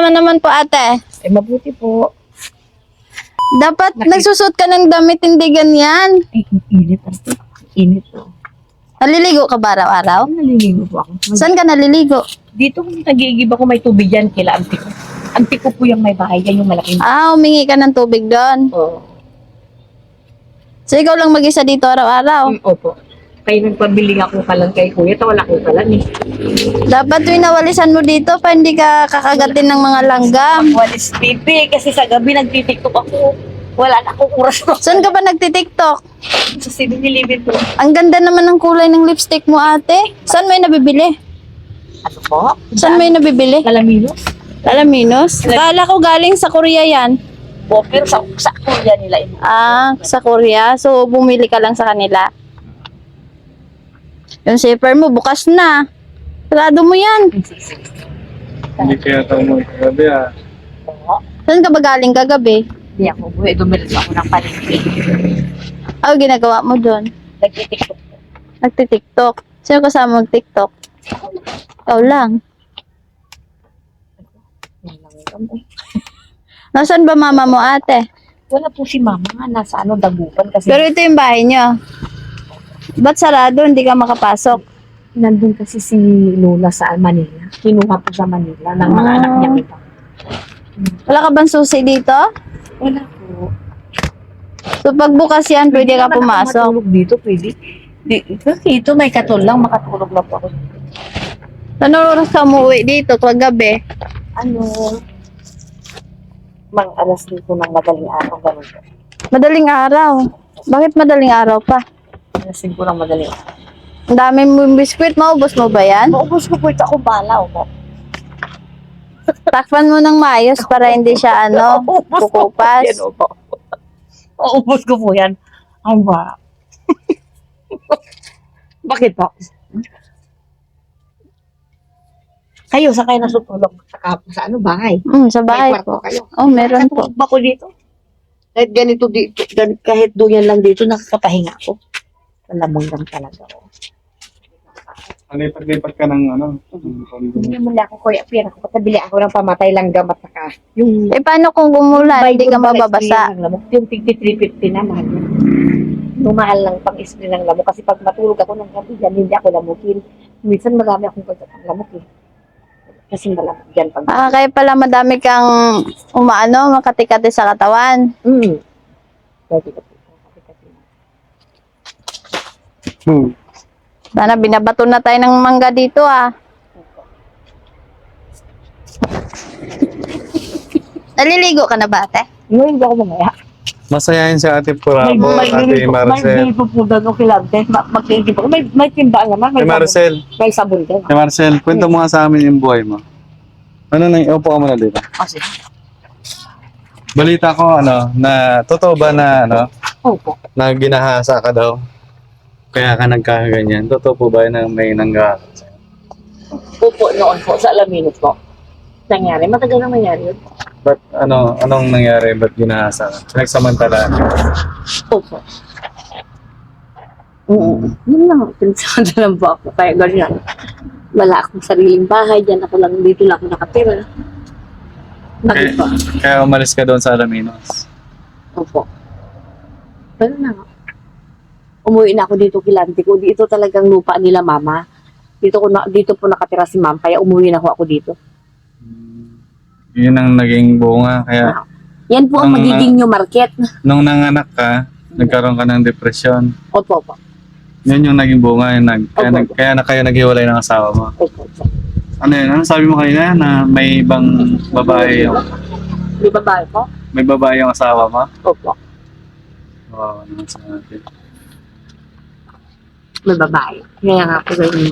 naman po ate? Eh, mabuti po. Dapat nagsusot ka ng damit, hindi ganyan. Ay, init. Init po. Naliligo ka ba araw-araw? Naliligo po ako. Saan ka naliligo? Dito kung nag-iigib ako, may tubig yan kila auntie ko. Auntie ko po yung may bahay, yan yung malaking. Humingi ka ng tubig doon. Oo. So, ikaw lang mag-isa dito araw-araw. Opo. Kaya nagpabili ako kalan kay kuya, wala ko kalan eh. Dapat winawalisan mo dito pa hindi ka kakagatin ng mga langgam. Walis pipi, kasi sa gabi nagtitiktok ako. Wala na akong oras ko. Saan ka ba nagtitiktok? Sa 7-Eleven po. Ang ganda naman ng kulay ng lipstick mo ate. Saan mo yung nabibili? Ano po? Saan mo yung nabibili? Kalaminos? Alaminos? Kala ko galing sa Korea yan. Po, pero sa kuya nila yun. Sa Korea. So, bumili ka lang sa kanila. Yung zipper mo, bukas na. Sarado mo yan. Hindi kaya tayo mo kagabi Oo. Saan ka ba galing kagabi? Hindi ako buhay, dumilis ako ng palengke. Ginagawa mo doon? Nagtitiktok po. Nagtitiktok. Sino kasama mag-tiktok? Ikaw lang. Nasaan ba mama mo ate? Wala po si mama nga, nasa Dagupan kasi. Pero ito yung bahay niyo. Ba't sarado? Hindi ka makapasok? Nandun kasi si Lola sa Manila. Kinuha po sa Manila ng mga anak niya kita. Wala ka bang susi dito? Wala po. So pagbukas yan, pwede ka naman ako pumasok. matulog dito, pwede. Dito may katol lang, makatulog lang po ako. Ano oras ka umuwi dito kagabi? Mang alas dito ng madaling araw, ganun po. Madaling araw. Bakit madaling araw pa? Alas 5 ng madaling araw. Ang dami mo biskwit, maubos mo ba yan? Maubos ko po ito ako bala, po. Takpan mo ng maayos para hindi siya kukupas. Yan, opo. Maubos ko po yan. Ang ba? Bakit po? Kayo, sa kayo nasutulog sa bahay? Sa bahay May po. kwarto kayo. Meron po. Nakatulog ba ko dito? Kahit ganito dito, kahit doon yan lang dito, nakakapahinga ako. Malamang lang talaga ako. Lipat-lipat ka ng Hindi mo na ako, kuya, pira ko. Patabili ako ng pamatay lang gamat saka. Yung Paano kung gumulan, hindi ka mababasa? Yung 5350 na, mahal na. Yung mahal lang pang isli ng lamok. Kasi pag matulog ako ng gabi, yan, hindi ako lamukin. Minsan marami akong lamok eh. Kasi malamok dyan pag... Kaya pala madami kang makatikati sa katawan. Pwede ka po. Sana binabato na tayo ng mangga dito Naliligo ka na ba ate? Ngayon ako mamaya. Masayahin si Ate Purabo, Ate Marcel. May pupudan o kilante. Magkikip ako. May timbaan naman. Ate Marcel, May sabon din. Ate Marcel, kwento mo nga sa amin yung buhay mo. Upo ka muna dito. Kasi, Balita ko, na totoo ba na, opo. na ginahasa ka daw? Kaya ka nagkakaganyan. Totoo po ba na may nanggahasa? Opo noon po sa Alaminos po. Nangyari. Matagal na nangyari yun. Ba't, anong nangyari? Ba't ginahasa ka? Nagsamantala. Opo. Oo. Yun lang. Pinsada lang po ako. Kaya ganyan. Wala akong sariling bahay. Diyan ako lang. Dito lang ako nakatira. Bakit po? Kaya umalis ka doon sa Alaminos. Opo. Pero na nga. Umuwi na ako dito kilante ko. Dito talagang lupa nila mama. Dito po nakatira si ma'am. Kaya umuwi na ako dito. Yun ang naging bunga. Kaya Yan po ang magiging new market. nung nanganak ka, nagkaroon ka ng depresyon. Opo. Yun yung naging bunga. Kaya na kayo naghiwalay ng asawa mo. Opo. Ano yun? Ano sabi mo kanina na may ibang babae yung... Di ba ba po? May babae yung asawa mo? Opo. Oo, naman sa natin. May babae. Kaya nga po ganyan.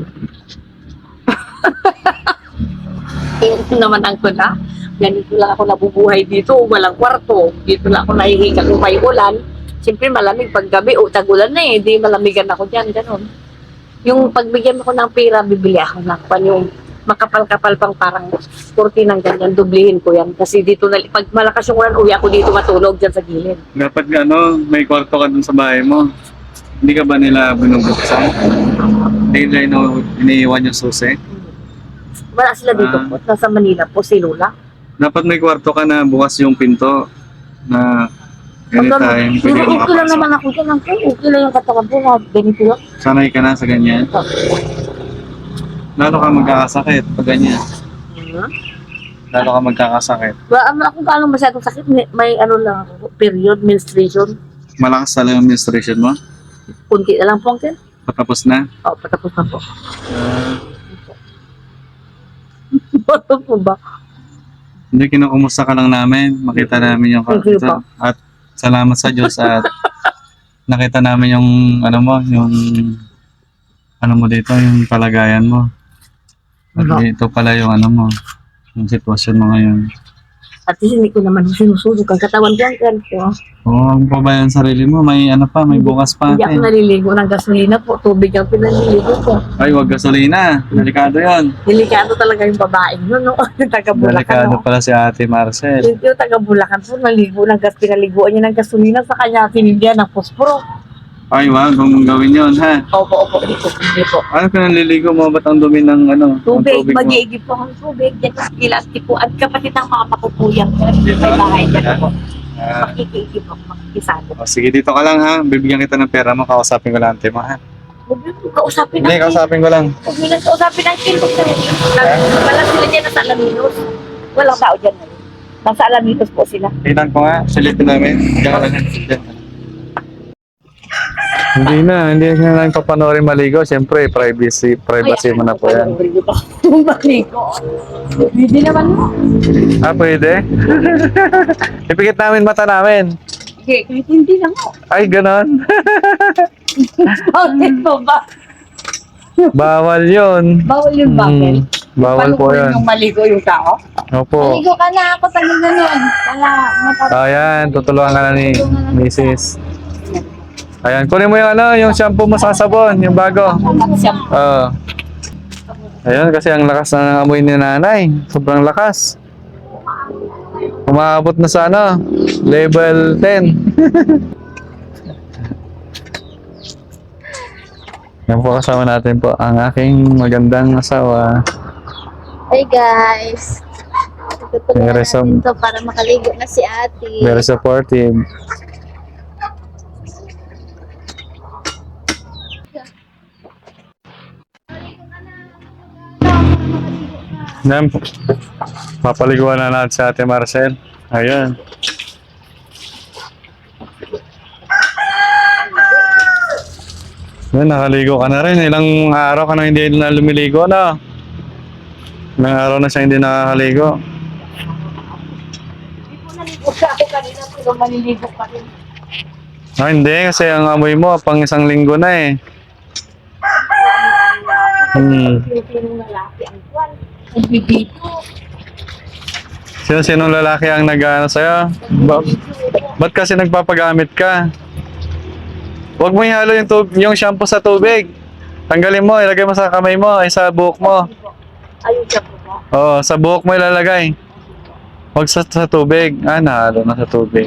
Ito naman ang kuna. Ganito lang ako nabubuhay dito. Walang kwarto. Dito lang ako nahihiga kung may ulan. Siyempre malamig pag gabi o tagulan na eh. Di malamigan ako dyan. Ganon. Yung pagbigyan mo ko ng pera, bibili ako ng yung makapal-kapal pang parang kurti ng ganyan. Dublihin ko yan. Kasi dito, pag malakas yung ulan, uwi ako dito matulog dyan sa gilid. Dapat may kwarto ka dun sa bahay mo. Hindi ka ba nila binubuksan? Hindi nila iniiwan yung susi? Wala sila dito po. Nasa Manila po si Lola. Dapat may kwarto ka na bukas yung pinto na anytime pwede Pero ka okay lang makapasok. naman ako dyan. Okay lang yung katawan ko. Ganito lang. Sanay ka na sa ganyan. Lalo ka magkakasakit pag ganyan. Lalo ka magkakasakit. Ako gaano masyadong sakit. May ano lang ako. Period, menstruation. Malakas talaga yung menstruation mo. Kunti na lang po ang Patapos na. Oh, patapos na po. Ano po ba? Hindi, kinukumusta ka lang namin. Makita namin yung Thank you ito. po. At salamat sa Diyos at nakita namin yung ano mo, yung ano mo dito, yung kalagayan mo. At Ano? dito pala yung ano mo, yung sitwasyon mo ngayon. At least hindi ko naman sinusunog ang katawan ko. Ang ganito. Oo, ang pabayan sarili mo, may ano pa, may bukas pa. Hindi ako naliligo ng gasolina po. Tubig ang pinaliligo ko. Ay, wag gasolina. Delikado yon. Delikado talaga yung babaeng yun, no? Yung taga-Bulacan, Delikado no? pala si Ate Marcel. Yung taga-Bulacan po, naligo ng gas, pinaliguan niya ng gasolina sa kanya, tinigyan ng posporo. Ay, wag mong gawin yon, ha? Opo, hindi po. Ano pinaliligo mo? Ba't ang dumi ng ano? ng Tubig, mo? mag-iigib po ang tubig. Yan ang ilas tipo. At kapatid ng mga pakupuyang may bahay dyan po. Ah, Makikiigib ako, makikisado. oh, sige, dito ka lang ha. Bibigyan kita ng pera mo. Kausapin ko lang ante mo ha. Huwag mo kausapin Hindi, natin. kausapin ko lang. Huwag mo lang kausapin natin. Wala sila dyan nasa Alaminos. Walang tao dyan. Nasa Alaminos po sila. Tingnan ko nga. Silipin namin. Diyan ka lang. Diyan. Hindi na lang papanoorin maligo. Siyempre, privacy mo na po yan. Maligo. Hindi naman mo. Ah, pwede? Ipikit namin mata namin. Okay, kahit hindi lang mo. Ay, ganon. Bakit mo ba? Bawal yun. Bawal yung bakit? Bawal po Palukurin yan. yung maligo yung tao? Opo. Maligo ka na ako, tagal na nun. Wala, Ayan, tutulungan ka na ni Mrs. Ayan, kunin mo yung ano, yung shampoo mo sa sabon, yung bago. Oo. Ayan, kasi ang lakas na ng amoy ni nanay. Sobrang lakas. Umaabot na sa ano, level 10. Yan po kasama natin po ang aking magandang asawa. Hey guys. Tutulungan Very natin to para makaligo na si ate. Very supportive. Yan, papaliguan na natin sa Ate Marcel. Ayan. Yan, nakaligo ka na rin. Ilang araw ka na hindi na lumiligo na. Ilang araw na siya hindi nakakaligo. Naligo ka ako kanina pero maliligo pa rin. Ah, hindi, kasi ang amoy mo pang isang linggo na eh. Sinong lalaki ang kwan. Nagbibito. Sinong lalaki ang nag-ano sa'yo? Ba't kasi nagpapagamit ka? Huwag mo ihalo yung shampoo sa tubig. Tanggalin mo, ilagay mo sa kamay mo, ay sa buhok mo. Ayun siya po ba? Oo, sa buhok mo ilalagay. Huwag sa tubig. Ah, nahalo na sa tubig.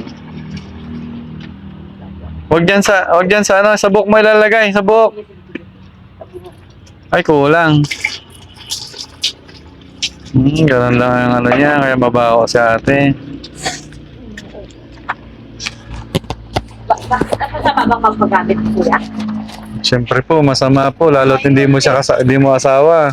Huwag dyan sa ano, sa buhok mo ilalagay, sa buhok. Ay, kulang. Ganun lang ang ano niya, kaya mabaho si ate. Bakit ako sa babang magpagamit ko kuya? Siyempre po, masama po, lalo't hindi mo asawa.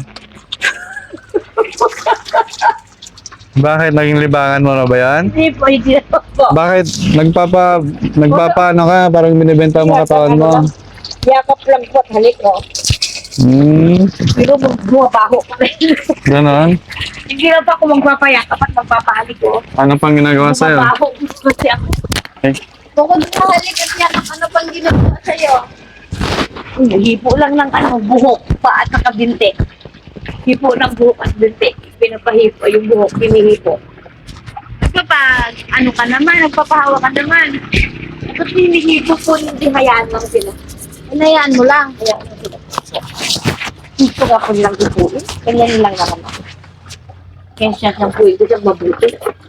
Bakit? Naging libangan mo na ba yan? Hindi po, hindi na po. Bakit? Nagpapa ano ka, parang binibenta mo katawan mo. Yakap lang po at halik ko. Pero bumabaho pa rin. Ganon? Hindi na pa ako magpapayakap at magpapahalik ko. Ano pang ginagawa sa'yo? Bumabaho kasi ako. Eh, Bukod sa halik at yakap, ano pang ginagawa sa'yo? Hipo lang ng ano, buhok pa at nakabinte. Hipo ng buhok at binte. Pinapahipo yung buhok, pinihipo. Kapag ano ka naman, nagpapahawa ka naman. Kapag hinihipo po, hindi hayaan lang sila. Hinayaan mo lang. Hayaan lang sila. Gusto ka po nilang ipuin. Ganyan lang naman ako. Kaya siya siyang puwi ko siyang mabuti.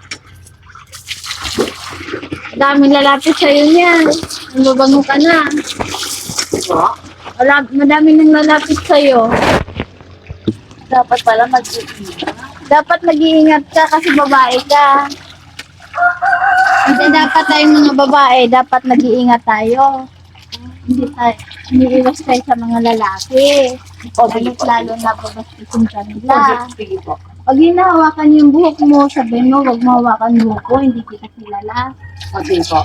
Daming lalapit sa'yo niyan. Mababango ka na. Madami nang lalapit sa'yo. Dapat pala mag-iina. Dapat mag-iingat ka kasi babae ka. Kasi dapat tayong mga babae, dapat nag-iingat tayo. Hindi iwas tayo sa mga lalaki. Lalo na babastisin ka nila. Sige po. Pag hinahawakan yung buhok mo, sabihin mo, huwag mo hawakan buhok ko, hindi kita kilala. Sige po.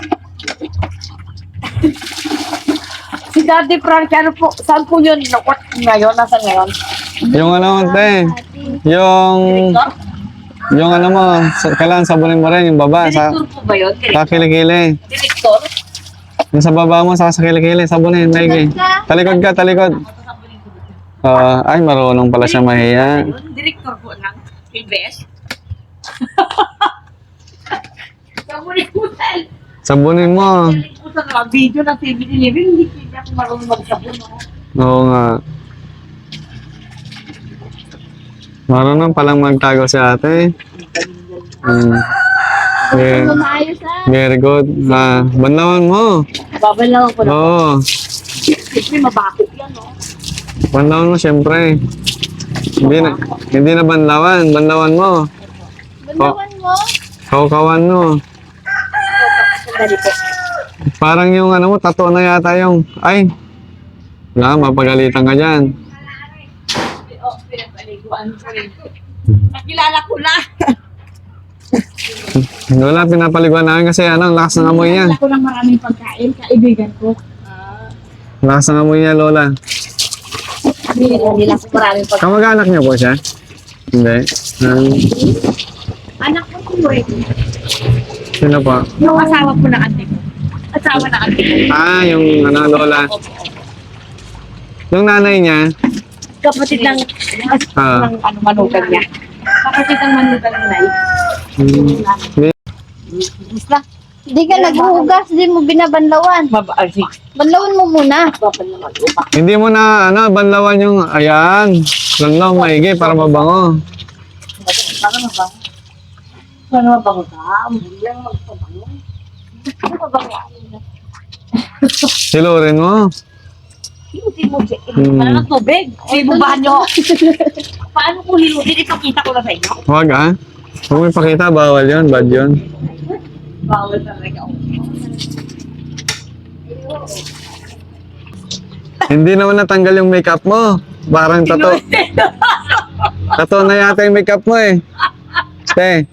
Si Daddy Frank, ano po, saan po yun? Nakot ngayon? Nasaan ngayon? Yung ano, te, yung ano mo, kailangan sabunin mo rin yung baba. Direktor po ba yun? Sa kilikili. Direktor? Yung sa baba mo, sa kilikili, sabunin, maigi. Talikod ka, talikod. Ay, marunong pala siya mahiya. Direktor po ng ABS. Sabunin po tayo. Sabunin mo. Sabunin po sa mga video ng 7-Eleven, hindi ako marunong magsabon. Oo nga. Marunong palang magtago si ate. Yeah. Maayos Very good. Banlawan mo. Babal lang ako na. Oo. Siyempre, mabakot yan, no? Banlawan mo, syempre. Hindi na banlawan. Banlawan mo. Bandawan mo. Kaukawan mo. Sandali po. Parang yung ano mo, tattoo na yata yung, ay. Wala, mapagalitan ka dyan. Oh, pinapaliguan ko rin. Nakilala ko na. Wala, pinapaliguan namin kasi ano, ang lakas ng amoy niya. Nakilala ko ng maraming pagkain, kaibigan ko. Lakas ng amoy niya, Lola. Nila ko maraming pagkain. Kamag-anak niyo po siya? Hindi. Anak ko si Wade. Sino po? Yung asawa ko na ate ko. Asawa na ate ko. Yung ano, Lola. Yung nanay niya, Kapatid ng ng ano manugang niya. Kapatid ng manugang niya. Basta. Hindi ka naghuhugas, hindi mo binabanlawan. Mabaalsik. Banlawan mo muna. Babal naman. Upa. hindi mo na, ano, banlawan yung, ayan, lanlaw, maigi, para mabango. Para mabango. Para mabango ka. Hindi lang magpabango. Ano mabango? Silurin mo. Hilutin mo siya. Para ng tubig. Ibubahan nyo. Paano kung hilutin? Ipakita ko na sa inyo. Huwag Huwag mo ipakita, bawal yun, bad yun. Bawal talaga. Hindi naman natanggal yung makeup mo. Parang tato. Tato na yata yung makeup mo eh. Te,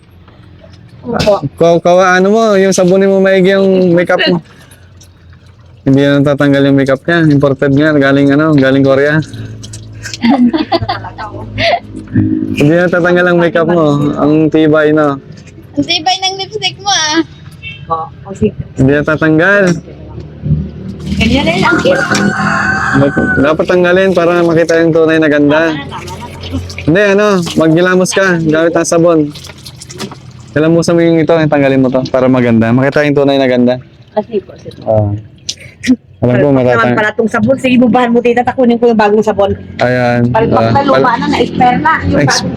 ano mo, yung sabunin mo maigi yung makeup mo. Hindi na natatanggal yung makeup niya. Imported nga, galing Korea. Hindi na natatanggal ang makeup mo. Ang tibay, no? Ang tibay ng lipstick mo ah. Hindi na natatanggal. Ganyan na lang. Dapat tanggalin para makita yung tunay na ganda. Hindi, maggilamos ka gamit ang sabon. Gilamusan mo yung ito, tanggalin mo to para maganda. Makita yung tunay na ganda. Kasi po. Alam ko, Naman matatang. pala itong sabon. Sige, bubahan mo tita. Takunin ko yung bagong sabon. Ayan. Palpak na luma na, na-expire na. Yung bagong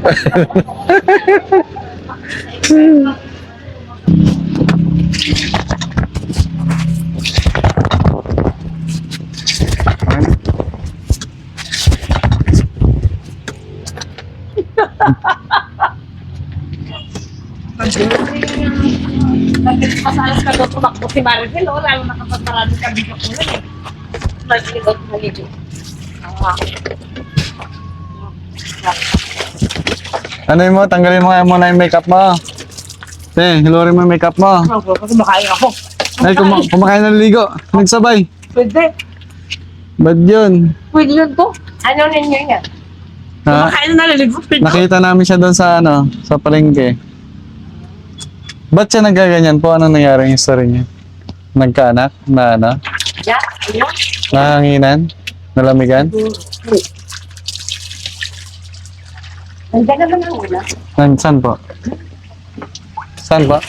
Nagpasalas ka doon tumakbo si Maricel, lalo na kapag maraming kabigyan ko na eh. Maligot, maligot. Ano mo, tanggalin mo nga muna yung makeup mo. Hilurin mo yung makeup mo. Kasi makain ako. Ay, kumakain ng ligo. Nagsabay. Pwede. Ba't yun? Pwede yun to. Ano ninyo yan? Ha? Kumakain na naligot. Nakita namin siya doon sa sa palengke. Ba't siya nagaganyan po? Anong nangyari yung story niya? Nagkaanak? Na ano? Yeah, ayun. Nahanginan? Nalamigan? Nandiyan naman ang ulam. Saan po? Saan po?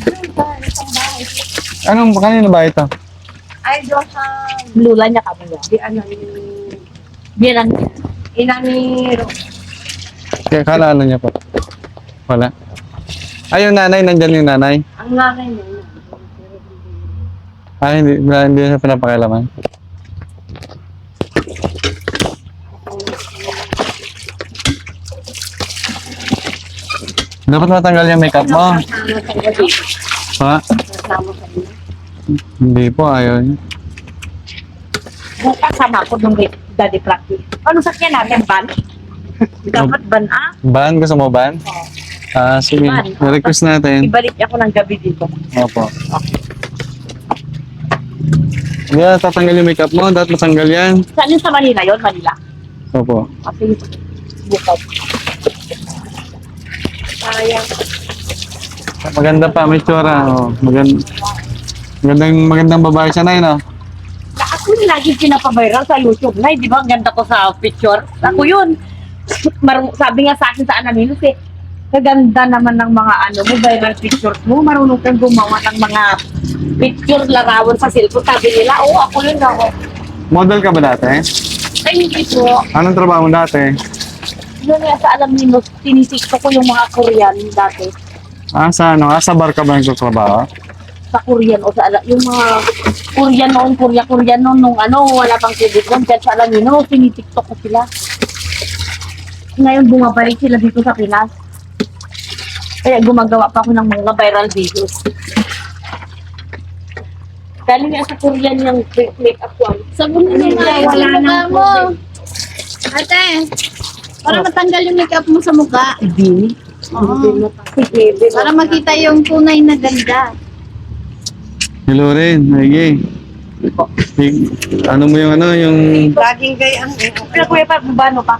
Kanino ba ito? Ay, doon sa lula niya kami. Di ano yung... Bilang ina ni Kaya kalala niya po. Wala. Ay, yung nanay, nandyan yung nanay. ang nanay niya. Ay, hindi siya pinapakialaman. Dapat matanggal yung makeup mo. Ha? Hindi po, ayaw niya. Bukas sama ko nung daddy practice. Ano sakyan natin, ban? Dapat ban Ban? Gusto mo ban? Sige. Ban. I-request natin. Ibalik ako ng gabi dito. Opo. Yeah, tatanggal yung makeup mo. Dapat matanggal yan. Saan yun sa Manila yun? Manila? Opo. Kasi bukas. Sayang. Maganda pa, may tsura. Oh, magandang babae siya na yun, oh. Na ako yung lagi pinapaviral sa YouTube na, di ba? Ang ganda ko sa picture. Ako yun. Sabi nga sa akin sa Ananinos eh, kaganda naman ng mga mo, viral pictures mo. Marunong kang gumawa ng mga picture larawan sa cellphone. Sabi nila, ako yun ako. Model ka ba dati? Ay, hindi po. Anong trabaho mo dati? Yun nga sa Ananinos, tinitikto ko yung mga Korean dati. Sa bar ka ba nagtatrabaho? Sa Korean o sa yung mga Korean noon nung wala pang COVID noon. Kaya sa Ananinos, tinitikto ko sila. Ngayon bumabalik sila dito sa Pinas. Kaya gumagawa pa ako ng mga viral videos. Galing nga sa Korean yung make-up ko. Sabon na nga Wala yung mukha nang mo. Ate, para matanggal yung makeup mo sa mukha. Hindi. Oo. Sige, Para makita yung tunay na ganda. Hello rin, Maggie. Ano mo yung yung... Laging gayang. Pero kuya pa, bubano pa.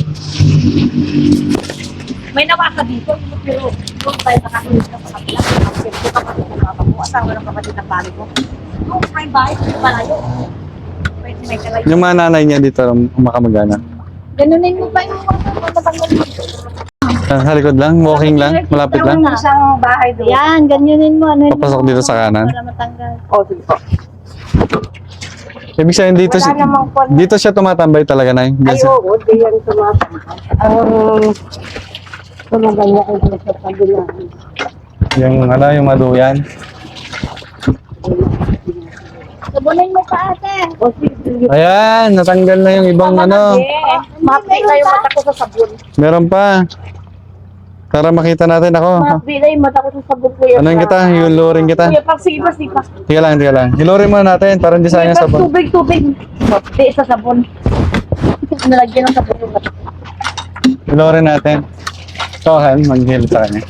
May nawaka dito, pero doon tayo nakakulit sa kapila. Kapatid ko, kapatid ng mama ko, asawa ng kapatid ng pari ko. Doon, may bahay, malayo. Pwede may kalayo. Yung mga nanay niya dito, makamagana. Ganunin mo pa yung matanggal mo. Sa likod lang, walking lang, malapit lang. Isang bahay doon. Yan, ganyanin mo. Ano Papasok dito sa kanan. Para matanggal. O, sige po. Ibig sabihin dito, Wala namang po. dito siya tumatambay talaga, Nay. Ay, oo, di yan tumatama. Tumagal niya kayo sa kabila. Yung maduyan. Sabunin mo pa, ate. O, sige. Ayan, natanggal na yung ibang Mapi na yung mata ko sa sabon. Meron pa. Para makita natin ako. Mapi na yung mata ko sa sabon, kuya. Ano yung kita? Hilurin kita. Kuya, pag sige pa, sige pa. Tiga lang. Hilurin muna natin para hindi sayang Kuya, pag sabon. tubig. Mapi sa sabon. Nalagyan ng sabon yung mata. Hilurin natin. Ikaw, Han, mag-hil sa kanya.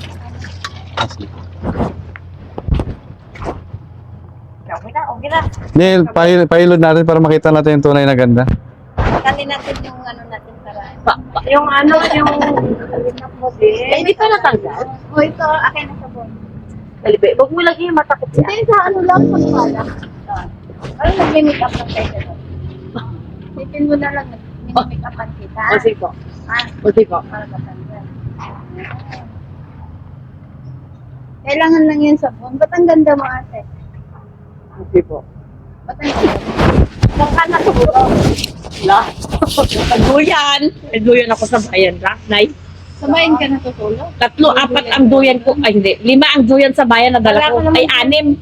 Okay na. Hindi, pahilod natin para makita natin yung tunay na ganda. Tanggalin natin yung natin para. Yung eh, hindi pa natanggal. O ito, akin na sabon. Dalibe, wag mo lagi yung mata ko. Hindi, sa lang, pagpala. Parang nag-make up lang tayo gano'n. Sipin mo na lang, nag-make upan kita. O, sige po. O, sige po. Para matanggal. Kailangan lang yung sabon. Ba't ang ganda mo, ate? O, sige po. Ba't ang ganda? Saan ka na siguro? Wala. Nagduyan ako sa bayan, Nay. Sa bayan ka natutulog? 3, 4 ang duyan ko. Ay, hindi. 5 ang duyan sa bayan na dala ko. Ay, 6.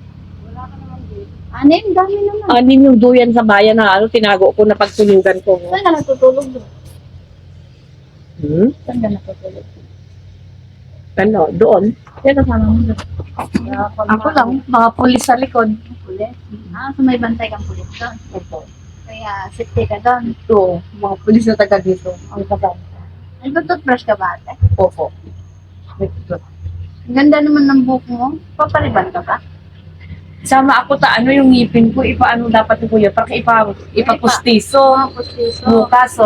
Anim, dami naman. 6 yung duyan sa bayan na tinago ko na pagtulugan ko. Saan ka natutulog doon? Hmm? Saan ka natutulog? Ano, doon. Kaya kasama mo doon. Ako lang, mga pulis sa likod. Pulis? So may bantay kang pulis doon. Opo. Kaya safety ka doon. Ito, mga pulis na taga dito. Ang kasama. Nagtutoothbrush ka ba, ate? Opo. Ang ganda naman ng buhok mo. Papaliban ka ba? Sama ako yung ngipin ko, ipaano dapat ko yun, para ipapustiso. Pustiso. Bukas,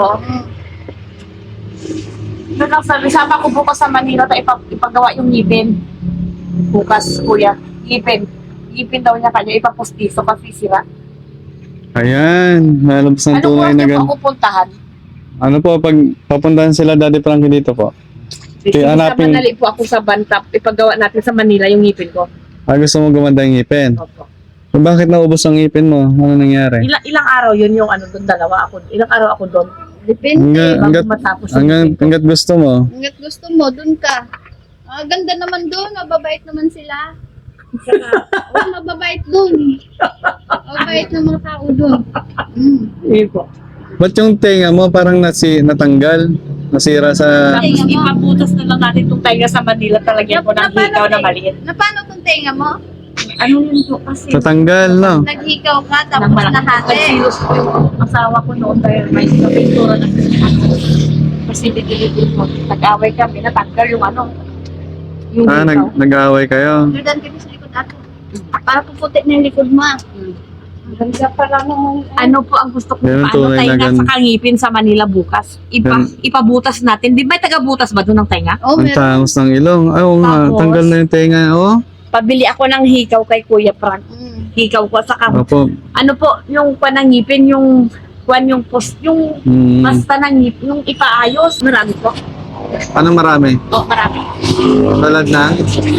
Doon lang sabi, sama ko bukas sa Manila, ipagawa yung ngipin. Bukas, kuya. Ngipin. Ngipin daw niya kanya, ipapustiso kasi sila. Ayan, nalabas ng Ano po tunay ang na niyo ganda. po pupuntahan? Ano po, pag papuntahan sila Daddy Frankie dito po. Sige, hanapin- madali po ako sa Bantap, ipagawa natin sa Manila yung ngipin ko. Gusto mo gumanda yung ngipin. Opo. Bakit naubos ang ngipin mo? Ano nangyari? Ilang araw yun yung doon, dalawa ako. Ilang araw ako doon. Depende. Hanggat, Bago matapos yung hanggat, ngipin ko. hanggat gusto mo. Hanggat gusto mo, doon ka. Ganda naman doon. Mababait naman sila. Mababait doon. Mababait ng mga tao doon. Sige po. Ba't yung tenga mo parang natanggal? nasira sa... Tapos ipabutas na lang natin itong tayo sa Manila, talagyan ko ng hikaw na maliit. Na paano kung tenga mo? Ano yun po kasi? Tatanggal, no? Naghikaw ka tapos nahati. Nagsilos ko yung asawa ko noon dahil may pintura na kasi dinilipin ko. Nag-away kami, natanggal yung ano. Yung Ah, hikaw. nag-aaway kayo. Jordan ka sa likod ato. Para puputi na yung likod mo. Ganda pa lang ng... Ano po ang gusto ko Yan ang paano tunay na tainga ganda. sa kangipin sa Manila bukas? Ipabutas natin. Di ba may taga-butas ba doon ng tainga? Oh, Ang meron. tangos ng ilong. Ay, oo nga, Tapos? tanggal na yung tenga. Oo. Pabili ako ng hikaw kay Kuya Frank. Hikaw ko sa Opo. ano po, yung panangipin, yung yung post, yung Hmm. basta ng ngipin, yung ipaayos. Marami po. Anong marami? Oh, marami. Talad na?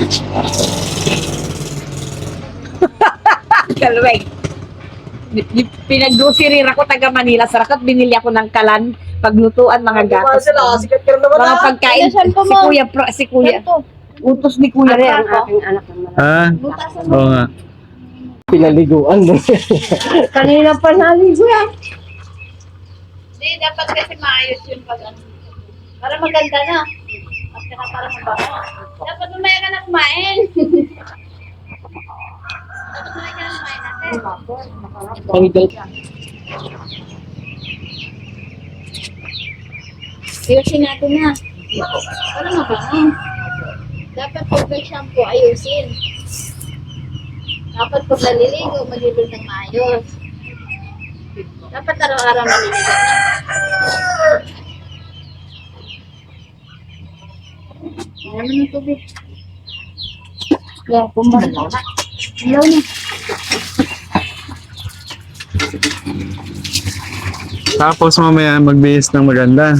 Kalweg. Pinag-grocery ako taga Manila. Sarakot, binili ako ng kalan, paglutuan, mga gatos. Mga pagkain. Ano, saan po Si mo? Kuya, si Kuya. Utos ni Kuya Franco. Ha? Butasan Oo nga. Pinaliguan mo. Kanina pa naligo yan. Hindi, dapat kasi maayos yun pag ano. Para maganda na. At saka para mabango. Dapat umaya ka na kumain. Dapat umaya ka na kumain natin. Pangidal. Ayusin natin na. Para mabango. Dapat pag may shampoo, ayusin. Dapat pag naliligo, maliligo ng maayos. Dapat araw-araw naliligo na. Ano naman ng tubig? Yeah, pumarala na. Ilaw na. Tapos mamaya magbihis ng maganda.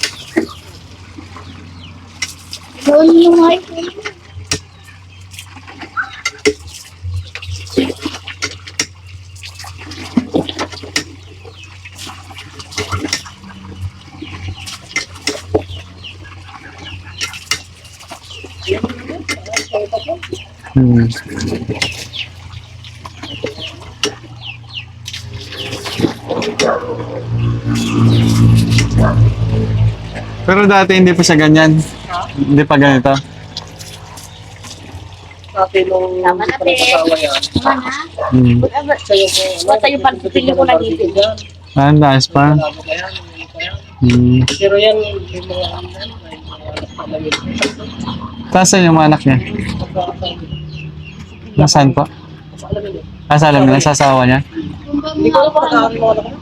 Ilaw na yung mic. Hmm. Pero dati hindi pa siya ganyan. Hindi pa ganito. Dati nung Tama na, te. asawa yan. Tama na. Hmm. Basta yung pansitilyo ko ng ngipin. Ah, ang taas pa. Labo ka yan, hindi pa yan. Hmm. Pero yan, yung mga ano yan, may mga anak pa lang yun. Tasan yung mga anak niya? Nasaan po? Ah, sa alam nila, sa asawa niya? Hindi ko alam kung nakakaroon mo anak mo.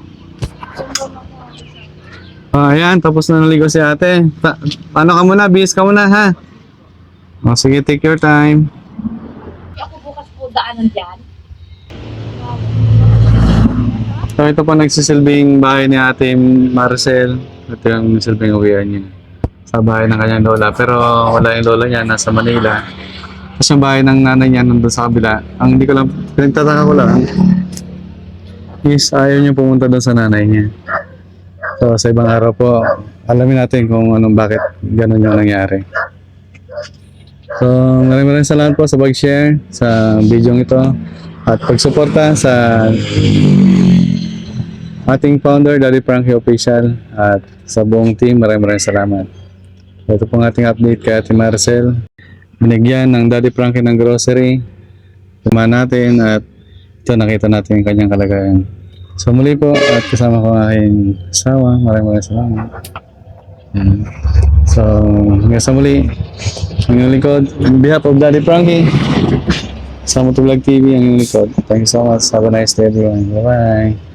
Ah, ayan, tapos na naligo si ate. Ano ka muna, bihis ka muna, ha? O, sige, take your time. Ako bukas po daanan dyan. So, ito po nagsisilbing bahay ni ate Marcel. Ito yung silbing uwian niya. Sa bahay ng kanyang lola. Pero wala yung lola niya, nasa Manila. Tapos yung bahay ng nanay niya nandun sa kabila. Ang hindi ko lang, pinagtataka ko lang, is ayaw niya pumunta doon sa nanay niya. So, sa ibang araw po, alamin natin kung anong bakit ganun yung nangyari. So, maraming salamat po sa pag-share sa video ito at pagsuporta sa ating founder, Daddy Frankie Official, at sa buong team, maraming salamat. Ito pong ating update kay Ate Marcel. Binigyan ng Daddy Frankie ng grocery. Tuma natin at ito nakita natin yung kanyang kalagayan. So muli po at kasama ko ang aking asawa. Maraming salamat. Yan. So hanggang sa muli, ang inyong likod, on behalf of Daddy Frankie, sa Motovlog TV, ang inyong likod. Thank you so much. Have a nice day everyone. Bye-bye.